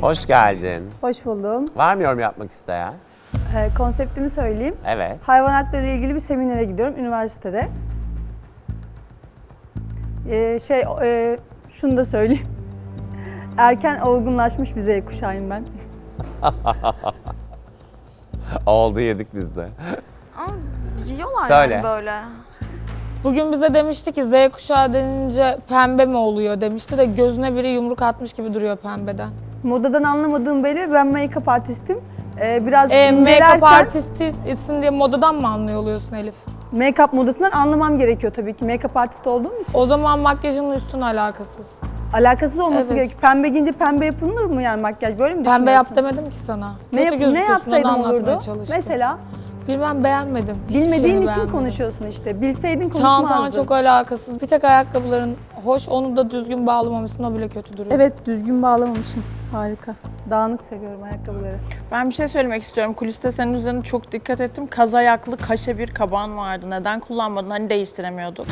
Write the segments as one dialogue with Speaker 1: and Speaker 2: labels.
Speaker 1: Hoş geldin.
Speaker 2: Hoş buldum.
Speaker 1: Var mı yorum yapmak isteyen?
Speaker 2: Konseptimi söyleyeyim.
Speaker 1: Evet.
Speaker 2: Hayvan hakları ile ilgili bir seminere gidiyorum üniversitede. Şunu da söyleyeyim. Erken olgunlaşmış bir Z kuşağıyım ben.
Speaker 1: Oldu, yedik biz de.
Speaker 3: Yiyorlar
Speaker 1: Söyle.
Speaker 3: yani böyle.
Speaker 4: Bugün bize demişti ki Z kuşağı denince pembe mi oluyor demişti de gözüne biri yumruk atmış gibi duruyor pembeden.
Speaker 2: Modadan anlamadığım belli. Ben make-up artistim. Biraz
Speaker 4: Make-up
Speaker 2: incelersen
Speaker 4: artistisin diye modadan mı anlıyor oluyorsun Elif?
Speaker 2: make-up modasından anlamam gerekiyor tabii ki. Make-up artist olduğum için.
Speaker 4: O zaman makyajınla üstün alakasız.
Speaker 2: Alakasız olması
Speaker 4: Evet.
Speaker 2: gerekiyor. Pembe giyince pembe yapılır mı yani makyaj? Böyle mi
Speaker 4: Pembe yap
Speaker 2: düşünüyorsun?
Speaker 4: demedim ki sana.
Speaker 2: Ne,
Speaker 4: Kötü
Speaker 2: ne
Speaker 4: gözüküyorsun,
Speaker 2: yapsaydım
Speaker 4: onu anlatmaya
Speaker 2: olurdu?
Speaker 4: çalıştım.
Speaker 2: Mesela
Speaker 4: Bilmem, beğenmedim. Hiçbir
Speaker 2: bilmediğin
Speaker 4: şeyini
Speaker 2: için
Speaker 4: beğenmedim.
Speaker 2: konuşuyorsun işte. Bilseydin konuşmazdın.
Speaker 4: Çantan çok alakasız. Bir tek ayakkabıların hoş, onu da düzgün bağlamamışsın, o bile kötü duruyor.
Speaker 2: Evet, düzgün bağlamamışım. Harika. Dağınık seviyorum ayakkabıları.
Speaker 5: Ben bir şey söylemek istiyorum. Kuliste senin üzerine çok dikkat ettim. Kaz ayaklı kaşe bir kaban vardı. Neden kullanmadın? Hani değiştiremiyorduk.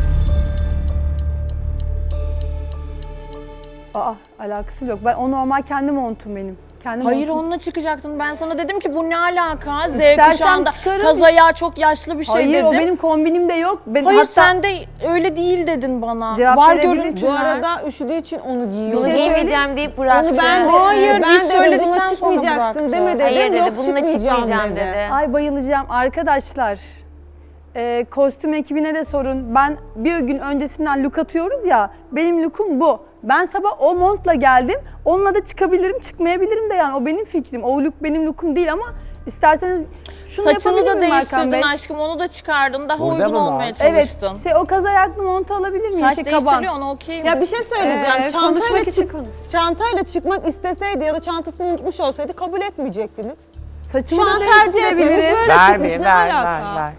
Speaker 2: Alakası yok. O normal kendi montum benim. Kendi
Speaker 5: Hayır,
Speaker 2: montum.
Speaker 5: onunla çıkacaktın. Ben sana dedim ki bu ne alaka? Z
Speaker 2: İstersen
Speaker 5: kuşağında
Speaker 2: çıkarım.
Speaker 5: kaz ayağı çok yaşlı bir şey
Speaker 2: Hayır,
Speaker 5: dedim.
Speaker 2: o benim kombinimde yok.
Speaker 5: Hayır,
Speaker 2: hatta
Speaker 5: sen de öyle değil dedin bana.
Speaker 2: Cevap
Speaker 5: Var
Speaker 2: verebilir
Speaker 5: görüntüler.
Speaker 6: Bu arada üşüdüğü için onu giyiyor.
Speaker 2: Bir şey
Speaker 7: Giymeyeceğim deyip bıraktı.
Speaker 6: Onu ben de,
Speaker 5: Hayır,
Speaker 6: ben
Speaker 5: biz
Speaker 6: dedim
Speaker 5: söyledikten
Speaker 6: buna
Speaker 5: sonra
Speaker 6: çıkmayacaksın
Speaker 5: bıraktı.
Speaker 6: deme dedim.
Speaker 7: Hayır dedi,
Speaker 6: Yok
Speaker 7: bununla
Speaker 6: çıkmayacağım
Speaker 7: çıkmayacağım
Speaker 6: dedi.
Speaker 7: dedi.
Speaker 2: Ay bayılacağım arkadaşlar. Kostüm ekibine de sorun. Ben bir gün öncesinden look atıyoruz ya. Benim lookum bu. Ben sabah o montla geldim. Onunla da çıkabilirim, çıkmayabilirim de yani. O benim fikrim. O look benim lookum değil ama isterseniz şunu
Speaker 5: Saçını
Speaker 2: yapabilir
Speaker 5: da
Speaker 2: miyim Hakan Bey?
Speaker 5: değiştirdin aşkım, onu da çıkardın. Daha
Speaker 1: Burada
Speaker 5: uygun
Speaker 1: mı var?
Speaker 5: olmaya
Speaker 2: Evet,
Speaker 5: çalıştın.
Speaker 2: o kaz ayaklı montu alabilir miyim?
Speaker 5: Saç
Speaker 2: kaban.
Speaker 5: değiştiriyor, ona okeyim.
Speaker 6: Ya bir şey söyleyeceğim.
Speaker 2: Konuşmak için konuş.
Speaker 6: Çantayla çıkmak isteseydi ya da çantasını unutmuş olsaydı kabul etmeyecektiniz.
Speaker 2: Saçımı
Speaker 6: Şu
Speaker 2: da
Speaker 6: an tercih yapıyoruz.
Speaker 2: değiştirebilirim.
Speaker 6: Böyle
Speaker 1: Ver
Speaker 6: çıkmış.
Speaker 1: bir,
Speaker 6: Ne
Speaker 1: ver,
Speaker 6: alaka?
Speaker 1: ver.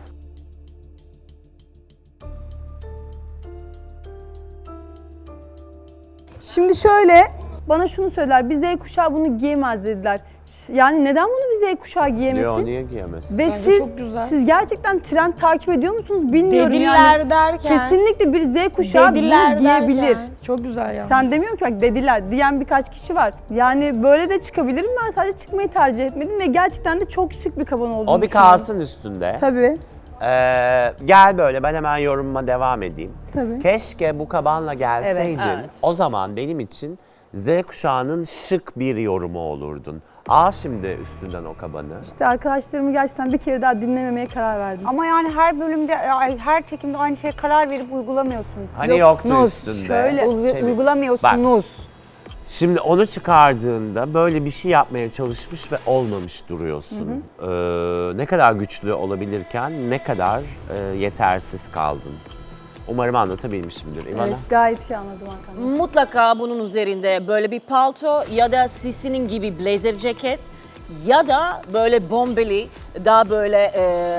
Speaker 2: Şimdi şöyle, bana şunu söyler, bir Z kuşağı bunu giyemez dediler. Yani neden bunu bir Z kuşağı giyemesin?
Speaker 1: Diyor, niye giyemez?
Speaker 2: Ve
Speaker 4: Bence çok güzel.
Speaker 2: siz gerçekten trend takip ediyor musunuz bilmiyorum
Speaker 4: Dediler
Speaker 2: yani.
Speaker 4: derken.
Speaker 2: Kesinlikle bir Z kuşağı
Speaker 4: Dediler
Speaker 2: bunu giyebilir.
Speaker 4: derken. Çok güzel ya.
Speaker 2: Sen demiyorum ki bak dediler diyen birkaç kişi var. Yani böyle de çıkabilirim, ben sadece çıkmayı tercih etmedim ve gerçekten de çok şık bir kaban olduğunu
Speaker 1: O bir
Speaker 2: düşünüyorum.
Speaker 1: kalsın üstünde.
Speaker 2: Tabii,
Speaker 1: Gel böyle, ben hemen yorumuma devam edeyim.
Speaker 2: tabii.
Speaker 1: Keşke bu kabanla gelseydin.
Speaker 6: Evet.
Speaker 1: O zaman benim için Z kuşağının şık bir yorumu olurdun. Al şimdi üstünden o kabanı.
Speaker 2: İşte arkadaşlarımı gerçekten bir kere daha dinlememeye karar verdim.
Speaker 7: Ama yani her bölümde, her çekimde aynı şeye karar verip uygulamıyorsun.
Speaker 1: Hani yoktu
Speaker 7: Yoktunuz.
Speaker 1: üstünde.
Speaker 2: Şöyle,
Speaker 1: Çevir.
Speaker 7: Uygulamıyorsunuz.
Speaker 1: Şimdi onu çıkardığında böyle bir şey yapmaya çalışmış ve olmamış duruyorsun. Ne kadar güçlü olabilirken ne kadar yetersiz kaldın. Umarım anlatabilmişimdir İvana.
Speaker 2: Evet, gayet iyi anladım Hakan Bey.
Speaker 8: Mutlaka bunun üzerinde böyle bir palto ya da Sisi'nin gibi blazer ceket ya da böyle bombeli, daha böyle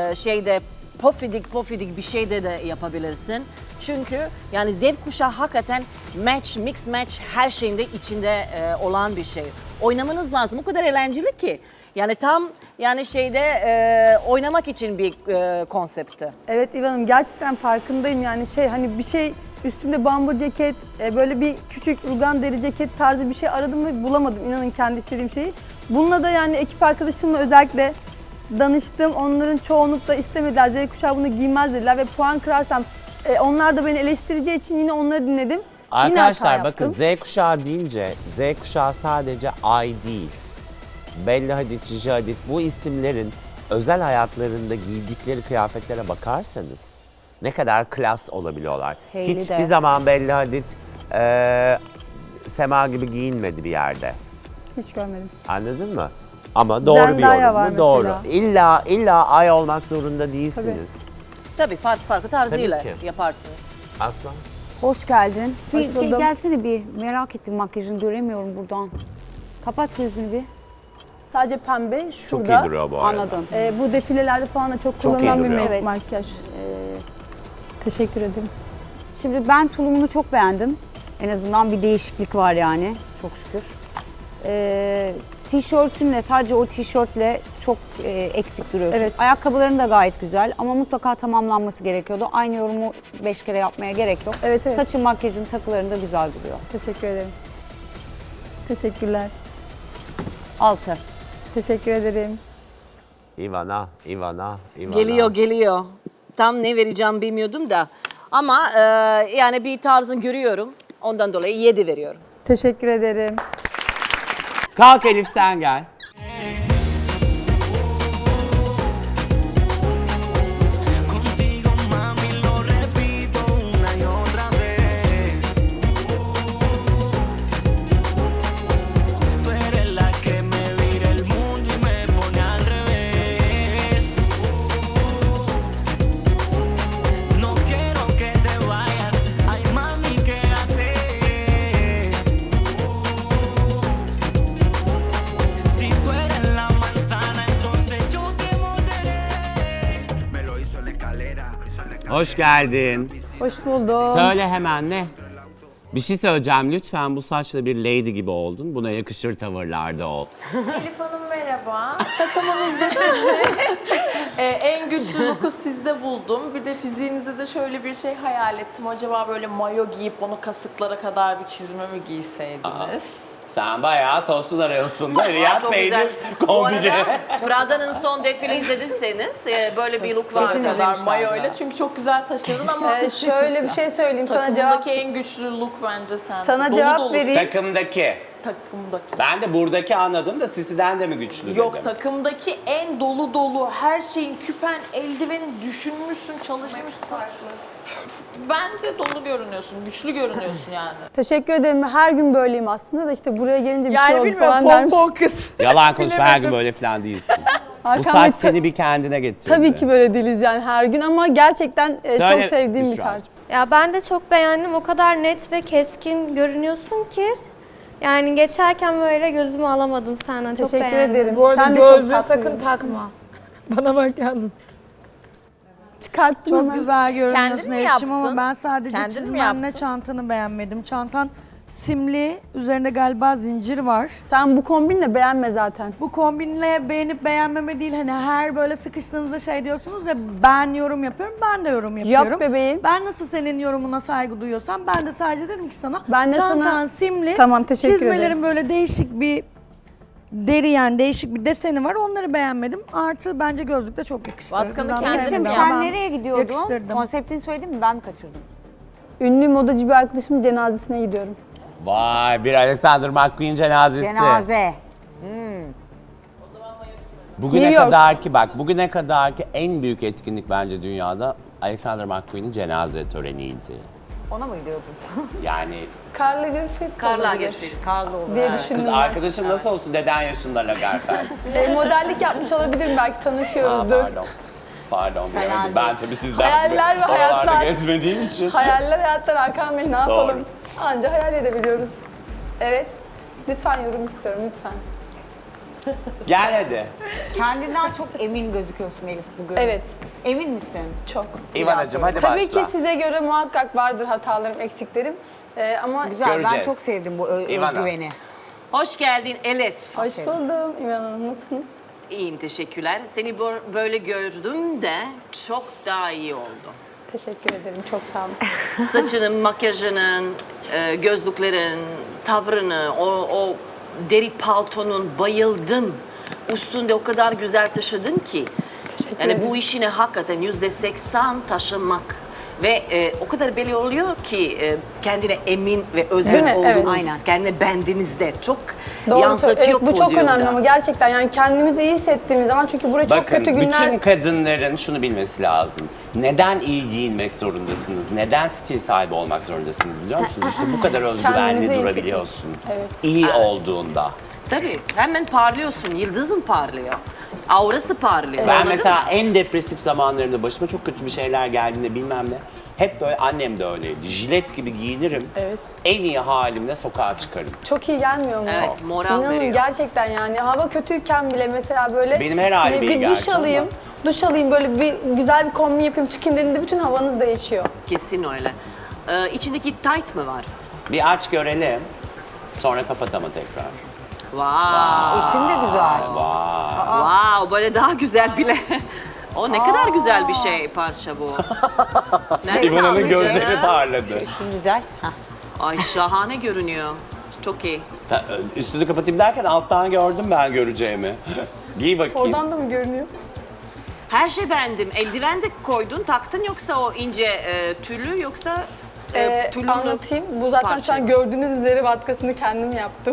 Speaker 8: pofidik bir şey de yapabilirsin. Çünkü yani Z kuşağı hakikaten mix match her şeyinde içinde olan bir şey. Oynamanız lazım. O kadar eğlenceli ki. Yani tam yani oynamak için bir konsepti.
Speaker 2: Evet İvan'ım gerçekten farkındayım yani hani bir şey üstümde bambur ceket, böyle bir küçük rugan deri ceket tarzı bir şey aradım ve bulamadım inanın kendi istediğim şeyi. Bununla da yani ekip arkadaşımla özellikle danıştım. Onların çoğunlukla istemediler. Z kuşağı bunu giymez dediler ve puan kırarsam onlar da beni eleştireceği için yine onları dinledim. Yine hata
Speaker 1: Arkadaşlar bakın
Speaker 2: yaptım.
Speaker 1: Z kuşağı deyince Z kuşağı sadece Ay değil. Bella Hadid, Gigi Hadid bu isimlerin özel hayatlarında giydikleri kıyafetlere bakarsanız ne kadar klas olabiliyorlar.
Speaker 7: Hailey
Speaker 1: Hiçbir
Speaker 7: de.
Speaker 1: zaman Bella Hadid Sema gibi giyinmedi bir yerde.
Speaker 2: Hiç görmedim.
Speaker 1: Anladın mı? Ama doğru bir
Speaker 2: Zendaya
Speaker 1: yorum
Speaker 2: var
Speaker 1: mu? Doğru.
Speaker 2: mesela.
Speaker 1: İlla Ay olmak zorunda değilsiniz.
Speaker 8: Tabii farklı tarzıyla
Speaker 1: Tabii ki.
Speaker 8: yaparsınız.
Speaker 1: Aslan.
Speaker 7: Hoş geldin.
Speaker 2: Hoş
Speaker 7: Bir
Speaker 2: buldum.
Speaker 7: gelsene bir. Merak ettim, makyajını göremiyorum buradan. Kapat gözünü bir.
Speaker 2: Sadece pembe
Speaker 1: Çok
Speaker 2: şurada.
Speaker 1: iyi duruyor bu arada.
Speaker 7: Anladım.
Speaker 2: Bu defilelerde falan da çok
Speaker 1: Çok iyi
Speaker 2: kullanılan bir
Speaker 1: duruyor.
Speaker 2: makyaj. Teşekkür ederim.
Speaker 7: Şimdi ben tulumunu çok beğendim. En azından bir değişiklik var yani. Çok şükür. Tişörtünle, sadece o tişörtle çok eksik duruyorsun.
Speaker 2: Evet.
Speaker 7: Ayakkabıların da gayet güzel ama mutlaka tamamlanması gerekiyordu. Aynı yorumu 5 kere yapmaya gerek yok.
Speaker 2: Evet, evet.
Speaker 7: Saçın, makyajın, takıların da güzel duruyor.
Speaker 2: Teşekkür ederim. Teşekkürler.
Speaker 7: 6.
Speaker 2: Teşekkür ederim.
Speaker 1: Ivana.
Speaker 8: Geliyor. Tam ne vereceğim bilmiyordum da. Ama yani bir tarzını görüyorum. Ondan dolayı 7 veriyorum.
Speaker 2: Teşekkür ederim.
Speaker 1: Kalk Elif sen gel.
Speaker 9: Contigo, mami, lo repito una y otra vez. Tú eres la que me vira el mundo y me pone al revés. No quiero que te vayas, ay mami, quédate. Si tú eres la manzana, entonces yo te morderé. Me lo hizo en la escalera.
Speaker 1: Hoş geldin.
Speaker 2: Hoş buldum.
Speaker 1: Söyle hemen ne? Bir şey söyleyeceğim lütfen, bu saçla bir lady gibi oldun. Buna yakışır tavırlarda ol.
Speaker 5: Elif Hanım merhaba. Takımınızda sizi en güçlü look'u sizde buldum. Bir de fiziğinizde de şöyle bir şey hayal ettim. Acaba böyle mayo giyip onu kasıklara kadar bir çizme mi giyseydiniz?
Speaker 1: Sen bayağı tostun arıyorsun. Riyad
Speaker 8: Çok
Speaker 1: peynir
Speaker 8: güzel. Bu
Speaker 1: kombini.
Speaker 8: arada Prada'nın son defile izlediyseniz böyle bir look var.
Speaker 5: Kasıklara kadar mayoyla. Çünkü çok güzel taşırdın ama
Speaker 2: Şöyle bir şey söyleyeyim sana cevap.
Speaker 5: takımdaki en güçlü look bence sen.
Speaker 2: Sana cevap vereyim.
Speaker 1: Takımdaki.
Speaker 5: Takımdaki.
Speaker 1: Ben de buradaki anladım da Sisi'den de mi güçlü
Speaker 5: Yok,
Speaker 1: dedim.
Speaker 5: takımdaki en dolu dolu, her şeyin, küpen, eldivenin düşünmüşsün, çalışmışsın. Bence dolu görünüyorsun, güçlü görünüyorsun yani.
Speaker 2: Teşekkür ederim. Her gün böyleyim aslında da işte buraya gelince bir şey oldu falan dermiş.
Speaker 5: kız.
Speaker 1: Yalan konuşma, her gün böyle falan değilsin. Bu
Speaker 2: Arkamdaki
Speaker 1: saç seni bir kendine getirdi.
Speaker 2: Tabii ki böyle değiliz yani her gün ama gerçekten
Speaker 1: Söyle,
Speaker 2: çok sevdiğim bir
Speaker 1: Büşra.
Speaker 2: tarz.
Speaker 3: Ya ben de çok beğendim. O kadar net ve keskin görünüyorsun ki. Yani geçerken böyle gözümü alamadım senden. Çok
Speaker 2: Teşekkür
Speaker 3: beğendim.
Speaker 2: ederim.
Speaker 4: Bu arada
Speaker 2: Sen de çok
Speaker 4: gözlüğü
Speaker 2: tatlıydın.
Speaker 4: sakın takma. Bana bak yalnız.
Speaker 2: Çıkarttım
Speaker 10: Çok
Speaker 2: hemen.
Speaker 10: güzel görünüyorsun
Speaker 5: Kendin mi
Speaker 10: Elif'ciğim
Speaker 5: yaptın?
Speaker 10: ama ben sadece
Speaker 5: Kendin mi
Speaker 10: çizmenle
Speaker 5: yaptın?
Speaker 10: çantanı beğenmedim. Çantan simli, üzerinde galiba zincir var.
Speaker 2: Sen bu kombinle beğenme zaten.
Speaker 10: Bu kombinle beğenip beğenmeme değil, hani her böyle sıkıştığınızda şey diyorsunuz ya, ben yorum yapıyorum, ben de yorum yapıyorum.
Speaker 2: Yap bebeğim.
Speaker 10: Ben nasıl senin yorumuna saygı duyuyorsam ben de sadece dedim ki sana
Speaker 2: Ben de
Speaker 10: çantan
Speaker 2: sana-
Speaker 10: simli,
Speaker 2: Tamam, teşekkür
Speaker 10: çizmelerin
Speaker 2: ederim.
Speaker 10: böyle değişik bir deri, yani değişik bir deseni var, onları beğenmedim. Artı bence gözlük de çok yakıştı.
Speaker 5: Vatkanı
Speaker 10: Güzel
Speaker 5: kendin
Speaker 10: sevdim
Speaker 5: mi
Speaker 10: ama
Speaker 7: Sen
Speaker 10: ben
Speaker 7: nereye gidiyordun?
Speaker 10: yakıştırdım.
Speaker 7: Konseptini söyledin mi? Ben mi kaçırdım?
Speaker 2: Ünlü modacı bir arkadaşımın cenazesine gidiyorum.
Speaker 1: Vay, bir Alexander McQueen cenazesi.
Speaker 7: Cenaze.
Speaker 1: Bugüne
Speaker 2: New York.
Speaker 1: kadar ki bak, bugüne kadar ki en büyük etkinlik bence dünyada Alexander McQueen'in cenaze töreniydi.
Speaker 7: Ona mı gidiyordun?
Speaker 1: Yani
Speaker 2: Karla görüşseydik
Speaker 8: Karla
Speaker 2: olabilir
Speaker 8: geçti.
Speaker 7: Karlı olur.
Speaker 2: diye
Speaker 7: Evet.
Speaker 1: kız
Speaker 2: düşündüm ben.
Speaker 1: arkadaşın nasıl olsun, deden yaşında Lagerfeld.
Speaker 2: Modellik yapmış olabilirim belki
Speaker 1: Aa,
Speaker 2: tanışıyoruzdur.
Speaker 1: Pardon bilemedim.
Speaker 7: Hayal
Speaker 1: Ben tabii sizden
Speaker 2: Hayaller ve
Speaker 1: oralarda
Speaker 2: hayatlar.
Speaker 1: gezmediğim için.
Speaker 2: Hayaller hayatlar Hakan Bey ne yapalım?
Speaker 1: Doğru.
Speaker 2: Anca hayal edebiliyoruz. Evet. Lütfen yorum istiyorum lütfen.
Speaker 1: Gel hadi.
Speaker 7: Kendinden çok emin gözüküyorsun Elif bugün.
Speaker 2: Evet.
Speaker 7: Emin misin?
Speaker 2: Çok.
Speaker 1: İvanacığım hadi
Speaker 2: Tabii
Speaker 1: başla.
Speaker 2: ki size göre muhakkak vardır hatalarım, eksiklerim. Ama
Speaker 7: Güzel, ben
Speaker 1: Göreceğiz.
Speaker 7: çok sevdim bu
Speaker 1: İvana.
Speaker 7: özgüveni.
Speaker 8: Hoş geldin Elif.
Speaker 2: hoş buldum İvan Hanım. Nasılsınız?
Speaker 8: İyiyim, teşekkürler. Seni böyle gördüm de çok daha iyi oldu.
Speaker 2: Teşekkür ederim. Çok sağ olun.
Speaker 8: Saçının, makyajının, gözlüklerin, tavrını, o deri paltonun bayıldım. Üstünde o kadar güzel taşıdın ki. Yani bu işine hakikaten %80 taşımak. Ve o kadar belli oluyor ki kendine emin ve
Speaker 2: Değil
Speaker 8: özgür
Speaker 2: mi?
Speaker 8: olduğunuz,
Speaker 2: Evet.
Speaker 7: Aynen.
Speaker 8: kendine bendinizde çok
Speaker 2: Doğru
Speaker 8: yansıtıyor
Speaker 2: söylüyorsun. Evet, bu çok
Speaker 8: podyumda.
Speaker 2: önemli ama gerçekten yani kendimizi iyi hissettiğimiz zaman çünkü buraya çok
Speaker 1: Bakın
Speaker 2: kötü günler...
Speaker 1: bütün kadınların şunu bilmesi lazım. Neden iyi giyinmek zorundasınız? Neden stil sahibi olmak zorundasınız biliyor musunuz? İşte bu kadar özgüvenli
Speaker 2: Kendimizi iyi
Speaker 1: durabiliyorsun.
Speaker 2: Evet.
Speaker 1: İyi olduğunda.
Speaker 8: Tabii hemen parlıyorsun, yıldızın parlıyor. Aurası parlıyor.
Speaker 1: Ben
Speaker 8: Anladın
Speaker 1: mesela
Speaker 8: mı?
Speaker 1: en depresif zamanlarımda başıma çok kötü bir şeyler geldiğinde bilmem ne. Hep böyle, annem de öyleydi. Jilet gibi giyinirim.
Speaker 2: Evet.
Speaker 1: En iyi halimle sokağa çıkarım.
Speaker 2: Çok iyi gelmiyor mu?
Speaker 8: Evet, moral
Speaker 2: İnanın
Speaker 8: veriyor.
Speaker 2: gerçekten yani hava kötüyken bile mesela böyle
Speaker 1: Benim her halim iyi
Speaker 2: bir duş
Speaker 1: gerçi
Speaker 2: alayım.
Speaker 1: ama.
Speaker 2: Duş alayım böyle bir güzel bir kombin yapayım çıkayım dediğinde bütün havanız değişiyor.
Speaker 8: Kesin öyle. İçindeki tight mı var?
Speaker 1: Bir aç görelim. Sonra kapat ama tekrar.
Speaker 8: Wow.
Speaker 7: İçinde güzel.
Speaker 1: Vay.
Speaker 8: Wow, böyle daha güzel bile. O ne kadar güzel bir şey parça bu. Nereden aldın
Speaker 1: İvan'ın gözleri
Speaker 8: canım?
Speaker 1: parladı.
Speaker 7: Üstün güzel. Hah.
Speaker 8: Ay şahane görünüyor. Çok Çok iyi.
Speaker 1: Üstünü kapatayım derken alttan gördüm ben göreceğimi. Giy bakayım.
Speaker 2: Oradan da mı görünüyor?
Speaker 8: Her şey beğendim. Eldiven de koydun, taktın yoksa o ince tüllü yoksa tüllü
Speaker 2: Anlatayım. Bu zaten
Speaker 8: parça.
Speaker 2: şu an gördüğünüz üzere vatkasını kendim yaptım.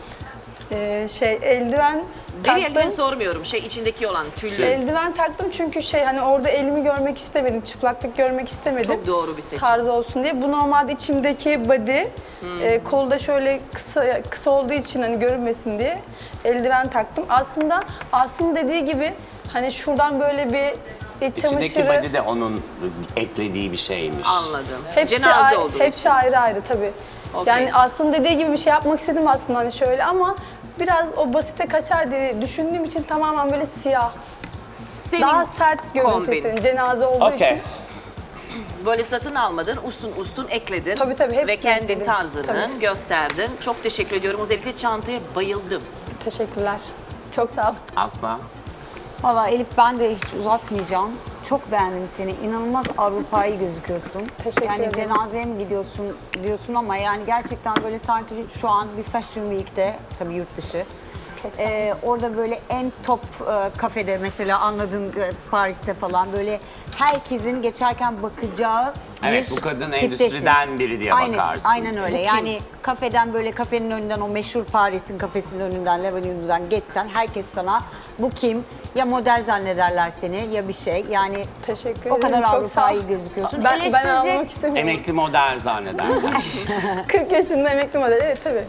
Speaker 2: Eldiven
Speaker 8: Deri eldiven
Speaker 2: taktım.
Speaker 8: sormuyorum. İçindeki olan tüllü.
Speaker 2: Eldiven taktım çünkü hani orada elimi görmek istemedim. Çıplaklık görmek istemedim.
Speaker 8: Çok doğru bir seçim.
Speaker 2: Tarz olsun diye. Bu normalde içimdeki body. Kolu da şöyle kısa olduğu için hani görünmesin diye eldiven taktım. Aslında dediği gibi hani şuradan böyle bir iç
Speaker 1: İçindeki
Speaker 2: çamaşırı
Speaker 1: body de onun eklediği bir şeymiş.
Speaker 8: Anladım.
Speaker 2: hepsi
Speaker 8: Cenaze
Speaker 2: ayrı,
Speaker 8: olduğu
Speaker 2: hepsi
Speaker 8: için.
Speaker 2: ayrı ayrı tabii.
Speaker 8: Okey.
Speaker 2: Yani aslında dediği gibi bir şey yapmak istedim aslında hani şöyle ama biraz o basite kaçar diye düşündüğüm için tamamen böyle siyah.
Speaker 8: Senin
Speaker 2: Daha sert görüntü
Speaker 8: kombin.
Speaker 2: istedim cenaze olduğu
Speaker 1: Okey.
Speaker 2: için.
Speaker 8: Böyle satın almadın, ustun ekledin.
Speaker 2: Tabii, hepsini
Speaker 8: ve kendin
Speaker 2: ekledim.
Speaker 8: tarzını
Speaker 2: Tabii.
Speaker 8: gösterdin. Çok teşekkür ediyorum. Özellikle çantaya bayıldım.
Speaker 2: Teşekkürler. Çok sağ ol.
Speaker 1: Asla.
Speaker 7: Valla Elif ben de hiç uzatmayacağım. Çok beğendim seni. İnanılmaz Avrupa'yı gözüküyorsun.
Speaker 2: Teşekkür
Speaker 7: yani
Speaker 2: ederim.
Speaker 7: cenazeye mi gidiyorsun diyorsun ama yani gerçekten böyle sanki şu an bir Fashion Week'te, tabii yurt dışı.
Speaker 2: Çok sağ ol.
Speaker 7: Orada böyle en top kafede mesela anladığın Paris'te falan böyle herkesin geçerken bakacağı
Speaker 1: Evet,
Speaker 7: bir
Speaker 1: bu kadın
Speaker 7: tiptesin.
Speaker 1: endüstriden biri diye bakarsın.
Speaker 7: Aynen öyle. Yani kafeden böyle kafenin önünden o meşhur Paris'in kafesinin önünden, Levallois'dan geçsen herkes sana bu kim? Ya model zannederler seni ya bir şey. Yani
Speaker 2: Teşekkür
Speaker 7: o
Speaker 2: ederim.
Speaker 7: kadar
Speaker 2: Çok sağ ol.
Speaker 7: Avrupa'yı gözüküyorsun.
Speaker 2: Ben almak istemiyorum.
Speaker 1: Emekli model zannederler.
Speaker 2: 40 yaşında emekli model. Evet tabii.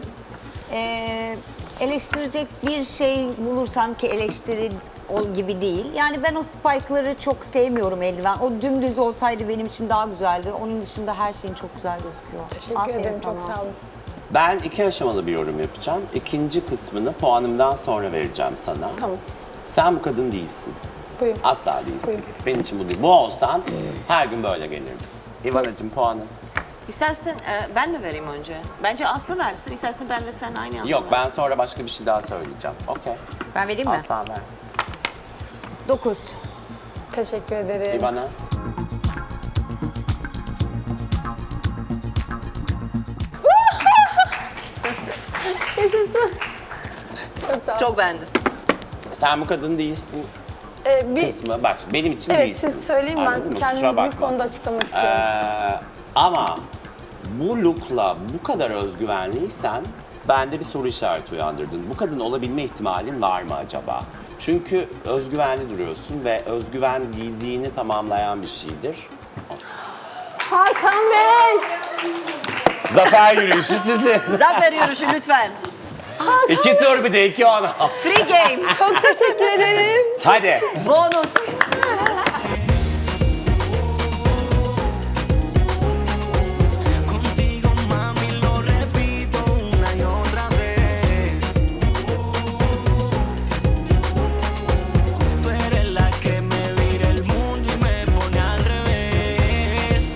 Speaker 7: Eleştirecek bir şey bulursan ki eleştiri gibi değil. Yani ben o spike'ları çok sevmiyorum eldiven. O dümdüz olsaydı benim için daha güzeldi. Onun dışında her şeyin çok güzel gözüküyor.
Speaker 2: Teşekkür
Speaker 7: Aferin
Speaker 2: ederim.
Speaker 7: sana.
Speaker 2: Çok sağ olun.
Speaker 1: Ben 2 aşamalı bir yorum yapacağım. İkinci kısmını puanımdan sonra vereceğim sana.
Speaker 2: Tamam.
Speaker 1: Sen bu kadın değilsin.
Speaker 2: Buyur.
Speaker 1: Asla değilsin.
Speaker 2: Buyurun.
Speaker 1: Benim için bu değil. Bu olsan her gün böyle gelirdin. İvanacığım puanın.
Speaker 8: İstersen ben mi vereyim önce? Bence Aslı versin. İstersen benle sen aynı anda
Speaker 1: Yok ben
Speaker 8: versin.
Speaker 1: sonra başka bir şey daha söyleyeceğim. Okey.
Speaker 7: Ben vereyim mi?
Speaker 1: Asla ver.
Speaker 7: 9.
Speaker 2: Teşekkür ederim.
Speaker 1: İvana.
Speaker 2: Yaşasın. Çok sağ ol.
Speaker 8: Çok beğendim.
Speaker 1: Sen bu kadın değilsin
Speaker 2: Bir,
Speaker 1: kısmı. Bak benim için
Speaker 2: evet
Speaker 1: değilsin.
Speaker 2: siz söyleyin
Speaker 1: Anladın
Speaker 2: ben
Speaker 1: mı? Kusura
Speaker 2: kendimi bir
Speaker 1: bakma.
Speaker 2: konuda açıklamak istiyorum.
Speaker 1: Ama bu look'la bu kadar özgüvenliysen bende bir soru işareti uyandırdın. Bu kadın olabilme ihtimalin var mı acaba? Çünkü özgüvenli duruyorsun ve özgüven giydiğini tamamlayan bir şeydir.
Speaker 2: Hakan Bey!
Speaker 1: Zafer yürüyüşü sizin.
Speaker 8: Zafer yürüyüşü lütfen.
Speaker 1: 2 tur bir de 2 ona.
Speaker 8: Free game.
Speaker 2: Çok teşekkür ederim.
Speaker 1: Hadi.
Speaker 8: Bonus.
Speaker 9: Contigo, mami, lo repito una y otra vez. Tú eres la que me vira el mundo y me pone al revés.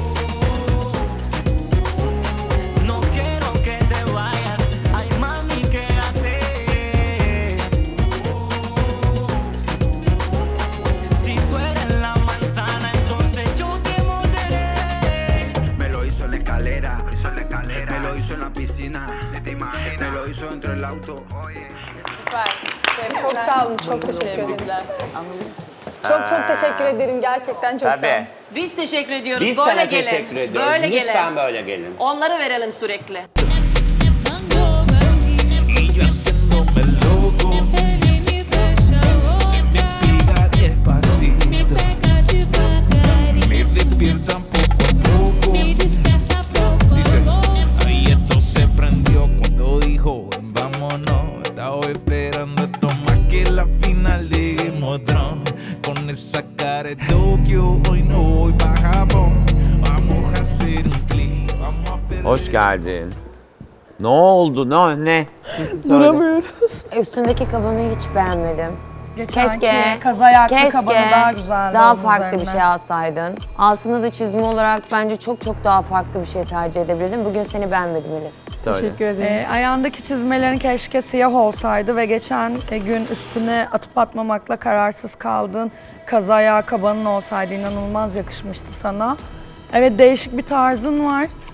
Speaker 9: No quiero que te vayas, ay mami, quédate. Si tú eres la manzana, entonces yo te morderé.
Speaker 11: Me lo hizo en la escalera, me lo hizo en la piscina, me lo hizo dentro del auto.
Speaker 2: Çok sağ olun. Çok teşekkür ederim. Çok teşekkür ederim. Gerçekten çok sağ olun.
Speaker 1: Tabii.
Speaker 8: Biz teşekkür ediyoruz.
Speaker 1: Biz
Speaker 8: böyle
Speaker 1: sana
Speaker 8: gelin.
Speaker 1: teşekkür ediyoruz.
Speaker 8: Böyle
Speaker 1: Lütfen
Speaker 8: gelin.
Speaker 1: böyle gelin.
Speaker 8: Onları verelim sürekli.
Speaker 9: Y yo haciéndome loco, se me pega despacito, me despiertan poco a poco. Dice, ahí esto se prendió cuando dijo, vámonos. Estaba esperando esto más que la final de Game of Thrones. Con esa cara de Tokio, hoy no voy pa' Japón. Vamos a hacer un clip, vamos a perder.
Speaker 1: Hoş geldin. Ne oldu? Ne? Siz söyle.
Speaker 12: Üstündeki kabanı hiç beğenmedim.
Speaker 10: Keşke kaz ayaklı kabanı daha güzeldi.
Speaker 12: daha
Speaker 10: onun
Speaker 12: farklı bir
Speaker 10: üzerine.
Speaker 12: şey alsaydın. Altına da çizme olarak bence çok daha farklı bir şey tercih edebilirdin. Bugün seni beğenmedim Elif.
Speaker 1: Söyle.
Speaker 10: Ayağındaki çizmelerin keşke siyah olsaydı ve geçen gün üstüne atıp atmamakla kararsız kaldın. Kaz ayağı kabanın olsaydı inanılmaz yakışmıştı sana. Evet değişik bir tarzın var.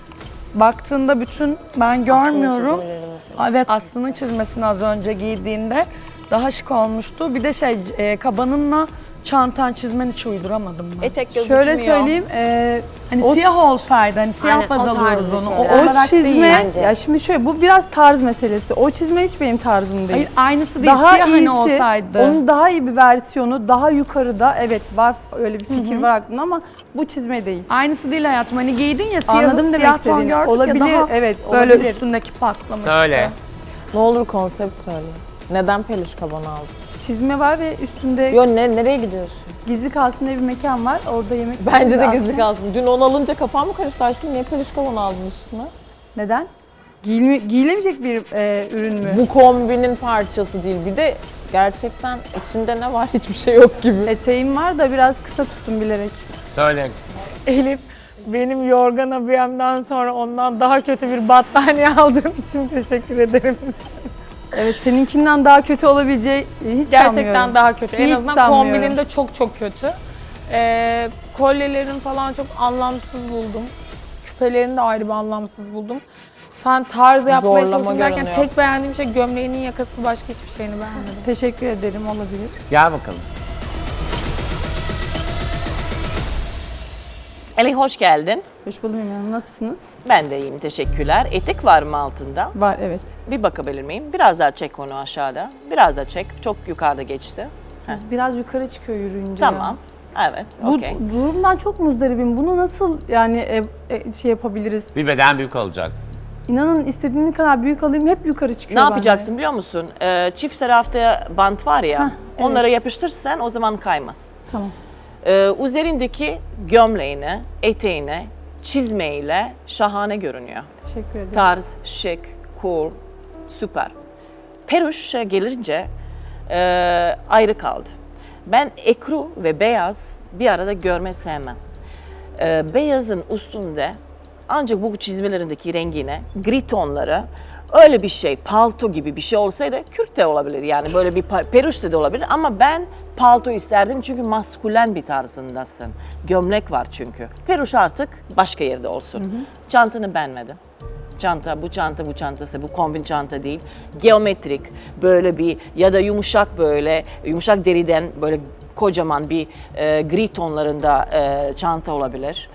Speaker 10: baktığında bütün ben görmüyorum.
Speaker 12: çizmeleri mesela.
Speaker 10: Evet, Aslı'nın çizmesini az önce giydiğinde daha şık olmuştu. Bir de kabanınla çantan çizmen hiç uyduramadım ben.
Speaker 5: Etek gözükmüyor.
Speaker 2: Şöyle söyleyeyim,
Speaker 10: Hani siyah olsaydı, hani siyah
Speaker 12: Aynen,
Speaker 10: baz
Speaker 12: o tarz
Speaker 10: alıyoruz
Speaker 12: bir
Speaker 10: onu.
Speaker 12: şey.
Speaker 10: O
Speaker 12: Evet.
Speaker 10: olarak
Speaker 2: o çizme,
Speaker 10: değil.
Speaker 12: bence.
Speaker 2: ya şimdi şöyle bu biraz tarz meselesi. O çizme hiç benim tarzım değil.
Speaker 10: Hayır, aynısı değil.
Speaker 2: Daha
Speaker 10: siyah
Speaker 2: iyisi,
Speaker 10: hani olsaydı.
Speaker 2: onun daha iyi bir versiyonu, daha yukarıda, evet var öyle bir fikir var aklımda ama bu çizme değil.
Speaker 10: Aynısı değil hayatım. Hani giydin ya
Speaker 2: Anladım demek
Speaker 10: siyah ton
Speaker 2: istediğini.
Speaker 10: gördük
Speaker 2: Olabilir,
Speaker 10: ya daha
Speaker 2: evet,
Speaker 10: böyle
Speaker 2: olabilir.
Speaker 10: üstündeki patlamış.
Speaker 1: Söyle.
Speaker 5: Ne olur konsept söyle. Neden peluş kaban aldın?
Speaker 2: Çizme var ve üstünde
Speaker 5: Yo nereye gidiyorsun?
Speaker 2: gizli kalsın diye bir mekan var. Orada yemek
Speaker 5: Bence de
Speaker 2: akşam-
Speaker 5: gizli kalsın. Dün onu alınca kafam mı karıştı aşkım? Niye peluş kaban aldın üstüne?
Speaker 2: Neden? Giyilemeyecek bir ürün mü?
Speaker 5: Bu kombinin parçası değil. Bir de gerçekten içinde ne var hiçbir şey yok gibi.
Speaker 2: Eteğim var da biraz kısa tuttum bilerek.
Speaker 1: Söyle.
Speaker 4: Elif, benim yorgan abiyemden sonra ondan daha kötü bir battaniye aldığın için teşekkür ederim.
Speaker 2: Evet, seninkinden daha kötü olabileceği hiç
Speaker 4: Gerçekten
Speaker 2: sanmıyorum.
Speaker 4: daha kötü. En
Speaker 2: Hiç
Speaker 4: azından
Speaker 2: sanmıyorum.
Speaker 4: kombinin de çok kötü. Kolyelerin falan çok anlamsız buldum. Küpelerini de ayrı bir anlamsız buldum. Sen tarz yapmaya
Speaker 5: Zorlama
Speaker 4: çalıştın derken
Speaker 5: görünüyor.
Speaker 4: tek beğendiğim şey gömleğinin yakası, başka hiçbir şeyini beğenmedim.
Speaker 2: Teşekkür ederim, olabilir.
Speaker 1: Gel bakalım.
Speaker 8: Elif hoş geldin.
Speaker 2: Hoş buldum Emine, nasılsınız?
Speaker 8: Ben de iyiyim, teşekkürler. Etek var mı altında?
Speaker 2: Var, evet.
Speaker 8: Bir bakabilir miyim? Biraz daha çek onu aşağıda. Biraz daha çek. Çok yukarıda geçti.
Speaker 2: Biraz yukarı çıkıyor yürüyünce.
Speaker 8: Tamam. Evet,
Speaker 2: Bu
Speaker 8: okey.
Speaker 2: durumdan çok muzdaribim. Bunu nasıl yani şey yapabiliriz?
Speaker 1: Bir beden büyük alacaksın.
Speaker 2: İnanın istediğim kadar büyük alayım hep yukarı çıkıyor
Speaker 8: Ne
Speaker 2: bende.
Speaker 8: yapacaksın biliyor musun? Çift tarafta bant var ya,
Speaker 2: Hah, evet.
Speaker 8: onlara yapıştırırsan o zaman kaymaz.
Speaker 2: Tamam.
Speaker 8: Üzerindeki gömleğine, eteğine, çizmeyle şahane görünüyor.
Speaker 2: Teşekkür ederim.
Speaker 8: Tarz, şık, cool, süper. Peruş'a gelince ayrı kaldı. Ben ekru ve beyaz bir arada görme sevmem. Beyazın üstünde ancak bu çizmelerindeki rengine, gri tonları öyle bir şey, palto gibi bir şey olsaydı kürk de olabilir. Yani böyle bir peruş da olabilir ama ben palto isterdim çünkü maskülen bir tarzındasın. Gömlek var çünkü. Peruş artık başka yerde olsun. Çantanı beğenmedim. Bu çantası, bu kombin çanta değil. Geometrik böyle bir ya da yumuşak deriden böyle kocaman bir gri tonlarında çanta olabilir.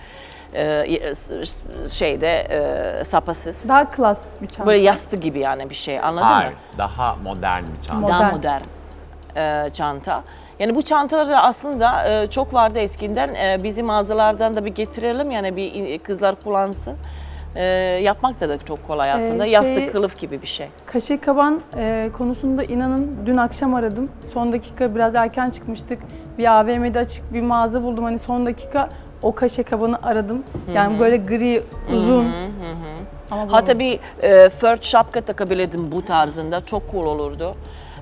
Speaker 8: Sapasız.
Speaker 2: Daha klas bir çanta.
Speaker 8: Böyle yastık gibi yani bir şey anladın
Speaker 1: Hayır.
Speaker 8: mı?
Speaker 1: Daha modern bir çanta.
Speaker 8: Daha
Speaker 2: Modern.
Speaker 8: modern çanta. Yani bu çantalar da aslında çok vardı eskiden. Bizim mağazalardan da bir getirelim yani bir kızlar kullansın. Yapmak da çok kolay aslında. Yastık kılıf gibi bir şey.
Speaker 2: Kaşe kaban konusunda inanın dün akşam aradım. Son dakika biraz erken çıkmıştık. Bir AVM'de açık bir mağaza buldum. Hani son dakika o kaşe kabanı aradım. Yani böyle gri, uzun. Ama
Speaker 8: Hatta bir fört şapka takabilirdim bu tarzında. Çok cool olurdu.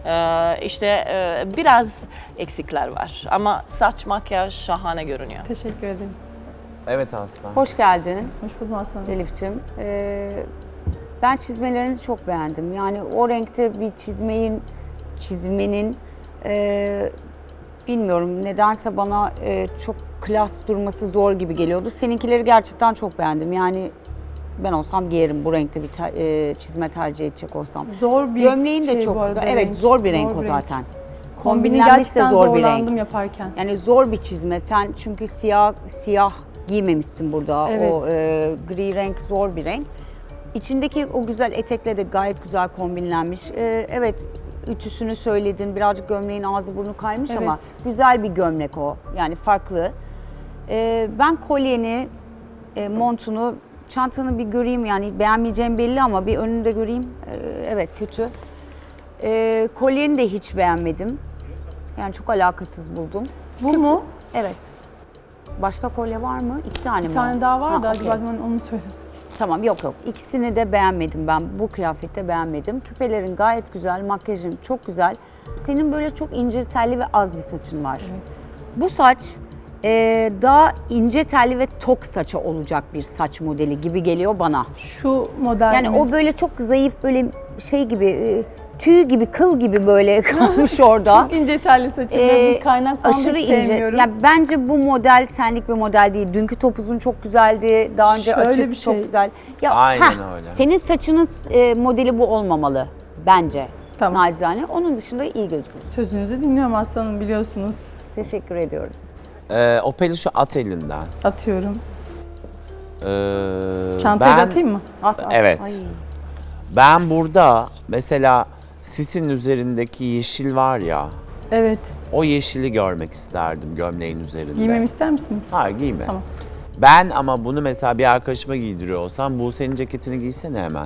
Speaker 8: Biraz eksikler var. Ama saç, makyaj şahane görünüyor.
Speaker 2: Teşekkür ederim.
Speaker 1: Evet Aslan.
Speaker 12: Hoş geldin
Speaker 2: Hoş buldum Aslanım.
Speaker 12: Elif'ciğim. Ben çizmelerini çok beğendim. Yani o renkte bir çizmenin bilmiyorum nedense bana çok klas durması zor gibi geliyordu. Seninkileri gerçekten çok beğendim. Yani ben olsam giyerim bu renkte bir çizme tercih edecek olsam.
Speaker 2: Zor bir
Speaker 12: Gömleğin de
Speaker 2: şey
Speaker 12: çok
Speaker 2: bu arada,
Speaker 12: güzel. Evet
Speaker 2: renk.
Speaker 12: zor bir renk
Speaker 2: Zor
Speaker 12: o
Speaker 2: bir
Speaker 12: zaten.
Speaker 2: Kombini
Speaker 12: Kombinlenmiş de
Speaker 2: gerçekten
Speaker 12: zor bir renk.
Speaker 2: zorlandım yaparken.
Speaker 12: Yani zor bir çizme. Sen çünkü siyah giymemişsin burada.
Speaker 2: Evet.
Speaker 12: O gri renk zor bir renk. İçindeki o güzel etekle de gayet güzel kombinlenmiş. Evet, ütüsünü söyledin. Birazcık gömleğin ağzı burnu kaymış ama güzel bir gömlek o. Yani farklı. Ben kolyeni, montunu, çantanı bir göreyim. Yani beğenmeyeceğim belli ama bir önünü de göreyim. Evet, kötü. Kolyeni de hiç beğenmedim. Yani çok alakasız buldum.
Speaker 2: Bu mu?
Speaker 12: Evet. Başka kolye var mı? 2 tane mi?
Speaker 2: Bir tane daha var da
Speaker 12: okey.
Speaker 2: acaba onu söylüyorsun.
Speaker 12: Tamam yok. İkisini de beğenmedim ben. Bu kıyafette beğenmedim. Küpelerin gayet güzel, makyajın çok güzel. Senin böyle çok ince telli ve az bir saçın var.
Speaker 2: Evet.
Speaker 12: Bu saç daha ince telli ve tok saça olacak bir saç modeli gibi geliyor bana.
Speaker 2: Şu model
Speaker 12: Yani
Speaker 2: mi?
Speaker 12: o böyle çok zayıf böyle şey gibi tüy gibi, kıl gibi böyle kalmış orada.
Speaker 2: Çok ince telli saçım ve bu kaynak bandı
Speaker 12: Aşırı
Speaker 2: hiç
Speaker 12: ince.
Speaker 2: sevmiyorum.
Speaker 12: Ya bence bu model senlik bir model değil. Dünkü topuzun çok güzeldi. Daha önce
Speaker 2: Şöyle
Speaker 12: açık
Speaker 2: bir
Speaker 12: çok
Speaker 2: şey.
Speaker 12: güzel. Ya,
Speaker 1: Aynen öyle.
Speaker 12: Senin saçının modeli bu olmamalı bence.
Speaker 2: Tamam.
Speaker 12: Nacizane. Onun dışında iyi gözüküyor.
Speaker 2: Sözünüzü dinliyorum aslanım, biliyorsunuz.
Speaker 12: Teşekkür ediyorum.
Speaker 1: O peluşu at elinden.
Speaker 2: Atıyorum.
Speaker 1: Ben-
Speaker 2: Çantaya atayım mı?
Speaker 12: At.
Speaker 1: Evet.
Speaker 12: Ay.
Speaker 1: Ben burada mesela sisin üzerindeki yeşil var ya,
Speaker 2: Evet.
Speaker 1: o yeşili görmek isterdim gömleğin üzerinde.
Speaker 2: Giymemi ister misiniz?
Speaker 1: Hayır giyme.
Speaker 2: Tamam.
Speaker 1: Ben ama bunu mesela bir arkadaşıma giydiriyor olsam, bu senin ceketini giysene hemen.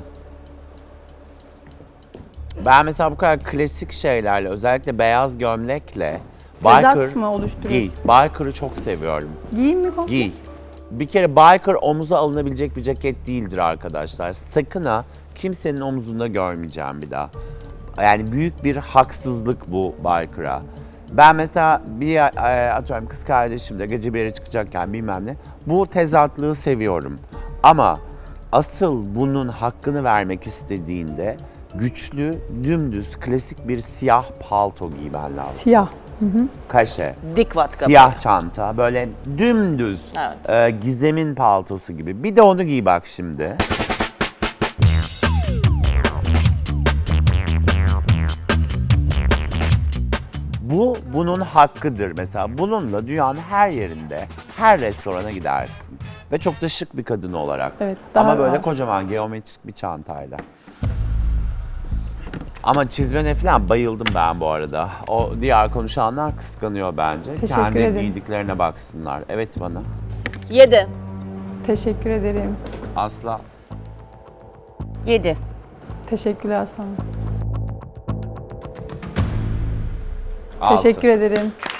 Speaker 1: Ben mesela bu kadar klasik şeylerle, özellikle beyaz gömlekle
Speaker 2: Tezat mı oluşturuyorsun?
Speaker 1: giy. Biker'ı çok seviyorum.
Speaker 2: Giyeyim mi komple?
Speaker 1: Giy. Bir kere biker omuza alınabilecek bir ceket değildir arkadaşlar. Sakın ha, kimsenin omuzunda görmeyeceğim bir daha. Yani büyük bir haksızlık bu biker'a. Ben mesela atıyorum kız kardeşimle gece bir yere çıkacakken bilmem ne, bu tezatlığı seviyorum. Ama asıl bunun hakkını vermek istediğinde güçlü, dümdüz, klasik bir siyah palto giymen lazım.
Speaker 2: Siyah.
Speaker 1: Kaşe.
Speaker 8: Dik vatka.
Speaker 1: Siyah çanta, böyle dümdüz,
Speaker 8: Evet.
Speaker 1: Gizem'in paltosu gibi. Bir de onu giy bak şimdi. Bu bunun hakkıdır mesela. Bununla dünyanın her yerinde, her restorana gidersin. Ve çok da şık bir kadın olarak.
Speaker 2: Evet,
Speaker 1: Ama
Speaker 2: daha
Speaker 1: böyle
Speaker 2: rahat.
Speaker 1: kocaman geometrik bir çantayla. Ama çizmene falan bayıldım ben bu arada. O diğer konuşanlar kıskanıyor bence.
Speaker 2: Teşekkür
Speaker 1: Kendi
Speaker 2: ederim.
Speaker 1: giydiklerine baksınlar. Evet bana.
Speaker 8: 7.
Speaker 2: Teşekkür ederim.
Speaker 1: Asla.
Speaker 12: 7.
Speaker 2: Teşekkürler aslanım.
Speaker 1: Altı.
Speaker 2: Teşekkür ederim.